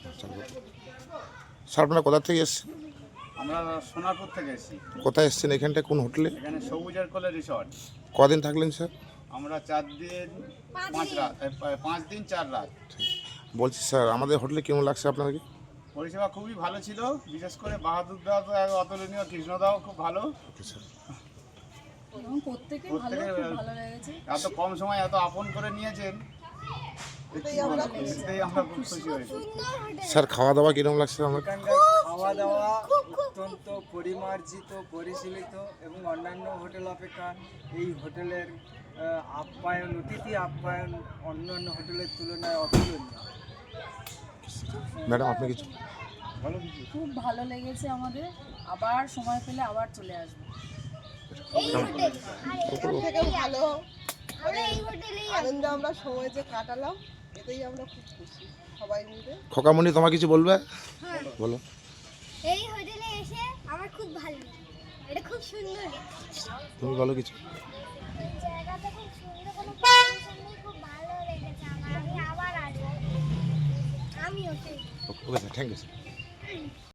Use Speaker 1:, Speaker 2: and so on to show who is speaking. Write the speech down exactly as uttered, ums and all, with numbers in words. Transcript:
Speaker 1: Sir আপনারা কোথা থেকে এসেছেন?
Speaker 2: আমরা সোনারপুর থেকে এসেছি।
Speaker 1: কোথায় এসেছেন? এখানটা কোন হোটেলে?
Speaker 2: এখানে সবুজের কোলে রিসর্ট।
Speaker 1: কদিন থাকলেন স্যার?
Speaker 2: আমরা চার দিন পাঁচ রাত এ, পা- পাঁচ দিন চার রাত।
Speaker 1: বলছি স্যার আমাদের হোটেলে কেমন লাগছে আপনাকে?
Speaker 2: পরিষেবা খুবই ভালো ছিল, বিশেষ করে বাহাদুর দাও তো এক অতুলনীয়, কৃষ্ণদাও খুব ভালো।
Speaker 1: Okay sir.
Speaker 3: এবং প্রত্যেকেই ভালো,
Speaker 2: প্রত্যেকের
Speaker 3: খুব ভালো লেগেছে।
Speaker 2: এত কম সময় এত আপন করে নিয়েছেন, এটাই আমরা এটাই আমরা খুব খুশি হয়েছি।
Speaker 1: স্যার খাওয়া দাওয়া কিরকম লাগছে আমাকে?
Speaker 4: এখানকার খাওয়া দাওয়া অত্যন্ত পরিমার্জিত, পরিশীলিত এবং অন্যান্য হোটেল অপেক্ষা এই হোটেলের আহ, আপ্যায়ন, অতিথি আপ্যায়ন অন্যান্য হোটেলের তুলনায় অতুলনীয়।
Speaker 1: ম্যাডাম আপনি কিছু?
Speaker 3: খুব ভালো লেগেছে আমাদের, আবার সময় পেলে আবার চলে আসবো।
Speaker 5: এর থেকেও ভালো মানে আনন্দ আমরা সময় যে কাটালাম, এতেই আমরা খুব খুশি সবাই মিলে।
Speaker 1: খোকামণি তোমার কিছু বলবে? বলো।
Speaker 6: এই হোটেলে এসে আমার খুব ভালো লাগে, এটা খুব সুন্দর।
Speaker 1: তুমি বলো কিছু।
Speaker 6: জায়গাটা খুব সুন্দর, কোনো পরিবেশন নেই, খুব ভালো লেগেছে আমার। আমি আবার আসবো, আমি ওটাই।
Speaker 1: Okay sir, thank you sir.